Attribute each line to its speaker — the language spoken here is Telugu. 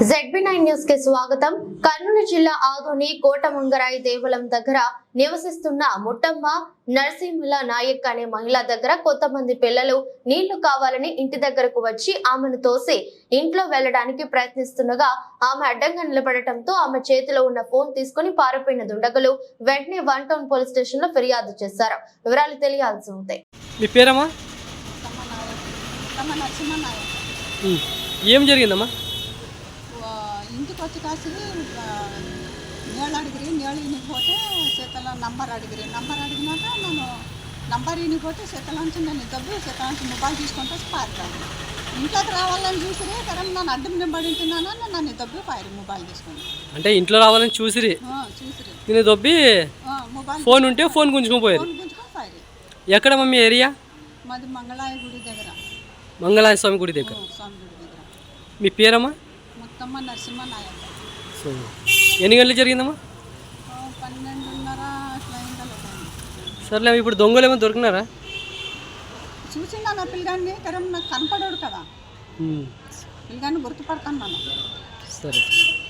Speaker 1: ZB9 న్యూస్ కి స్వాగతం. కర్నూలు జిల్లా ఆదోని కోటమంగరాయి దేవాలయం దగ్గర నివసిస్తున్న ముట్టమ్మ నరసింహుల నాయక్ అనే మహిళ దగ్గర కొంతమంది పిల్లలు నీళ్లు కావాలని ఇంటి దగ్గరకు వచ్చి ఆమెను తోసి ఇంట్లో వెళ్లడానికి ప్రయత్నిస్తుండగా ఆమె అడ్డంగా నిలబడటంతో ఆమె చేతిలో ఉన్న ఫోన్ తీసుకుని పారిపోయిన దుండగులు వెంటనే 1 టౌన్ పోలీస్ స్టేషన్ లో ఫిర్యాదు చేశారు. వివరాలు తెలియాల్సి ఉంటాయి.
Speaker 2: మీ పేరమ్మా? ఏం జరిగిందమ్మా?
Speaker 3: ఇంటికి వచ్చి కాసి నీళ్ళు అడిగిరి, నీళ్ళు ఇనిపోతే చేతల నంబర్ అడిగిరి. నంబర్ అడిగినాక నేను నంబర్ ఇనిపోతే చేతలంచి నేను దబ్బి చేతలంచి మొబైల్ తీసుకుంటే పారుతాను. ఇంట్లోకి రావాలని చూసిరి కరెం నన్ను అడ్డం నింబడి ఉంటున్నాను, నన్ను దబ్బి పారి మొబైల్ తీసుకుని.
Speaker 2: అంటే ఇంట్లో రావాలని చూసిరి నేను దొబ్బి
Speaker 3: మొబైల్
Speaker 2: ఫోన్ ఉంటే ఫోన్ గుంజుకొని పోయారు.
Speaker 3: గుంజుకొని పారి.
Speaker 2: ఎక్కడ మమ్మీ ఏరియా?
Speaker 3: మాది మంగళాయ గుడి దగ్గర,
Speaker 2: మంగళాయ స్వామి గుడి దగ్గర.
Speaker 3: స్వామి గుడి దగ్గర.
Speaker 2: మీ పేరమ్మా?
Speaker 3: మొత్తమ్మ నరసింహ నాయక్.
Speaker 2: ఎన్ని గంటలు జరిగిందమ్మా?
Speaker 3: 12:30 అట్లా అయిందా.
Speaker 2: సర్లే, ఇప్పుడు దొంగలు ఏమో దొరికినారా?
Speaker 3: చూసిందా నా పిల్లగాన్ని, కరెం నాకు కనపడాడు కదా, పిల్లగాన్ని గుర్తుపడతాను.
Speaker 2: సరే.